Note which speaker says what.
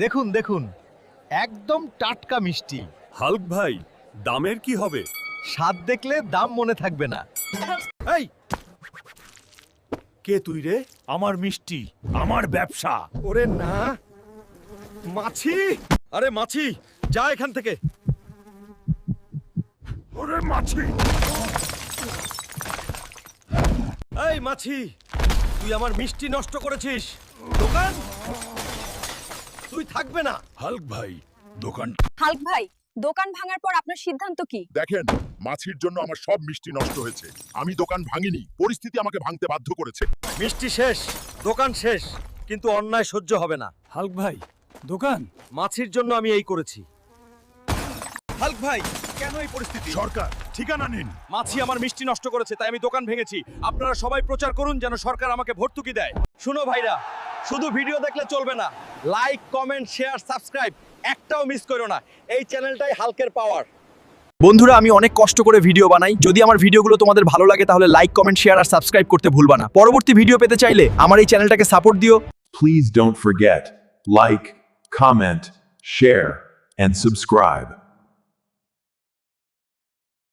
Speaker 1: দেখুন দেখুন, একদম টাটকা মিষ্টি।
Speaker 2: হাল্ক ভাই, দামের কি হবে?
Speaker 1: স্বাদ দেখলে দাম মনে থাকবে না।
Speaker 2: এই, কে তুই রে? আমার মিষ্টি, আমার ব্যবসা।
Speaker 1: ওরে না, মাছি! আরে মাছি, যা এখান থেকে।
Speaker 2: ওরে মাছি!
Speaker 1: এই মাছি, তুই আমার মিষ্টি নষ্ট করেছিস। দোকান তুই থাকবে না।
Speaker 2: হাল্ক ভাই, দোকান।
Speaker 3: হাল্ক ভাই, দোকান ভাঙার পর আপনার সিদ্ধান্ত কি?
Speaker 4: দেখেন, মাছির জন্য আমার সব মিষ্টি নষ্ট হয়েছে। আমি দোকান ভাঙিনি, পরিস্থিতি আমাকে ভাঙতে বাধ্য করেছে।
Speaker 1: মিষ্টি শেষ, দোকান শেষ, কিন্তু অন্যায় সহ্য হবে না।
Speaker 2: হাল্ক ভাই, দোকান।
Speaker 1: মাছির জন্য আমি এই করেছি। হাল্ক ভাই, কেন এই পরিস্থিতি?
Speaker 4: সরকার, ঠিকানা নিন।
Speaker 1: মাছি আমার মিষ্টি নষ্ট করেছে, তাই আমি দোকান ভেঙেছি। আপনারা সবাই প্রচার করুন যেন সরকার আমাকে ভর্তুকি দেয়। শুনো ভাইরা, শুধু ভিডিও দেখলে চলবে না। লাইক, কমেন্ট, শেয়ার, সাবস্ক্রাইব একটাও মিস করো না। এই চ্যানেলটাই হাল্কের পাওয়ার। বন্ধুরা, আমি অনেক কষ্ট করে ভিডিও বানাই। যদি আমার ভিডিওগুলো তোমাদের ভালো লাগে তাহলে লাইক, কমেন্ট, শেয়ার আর সাবস্ক্রাইব করতে ভুলবা না। পরবর্তী ভিডিও পেতে চাইলে আমার এই চ্যানেলটাকে সাপোর্ট দিও।
Speaker 5: Please don't forget, like, comment, share, and subscribe.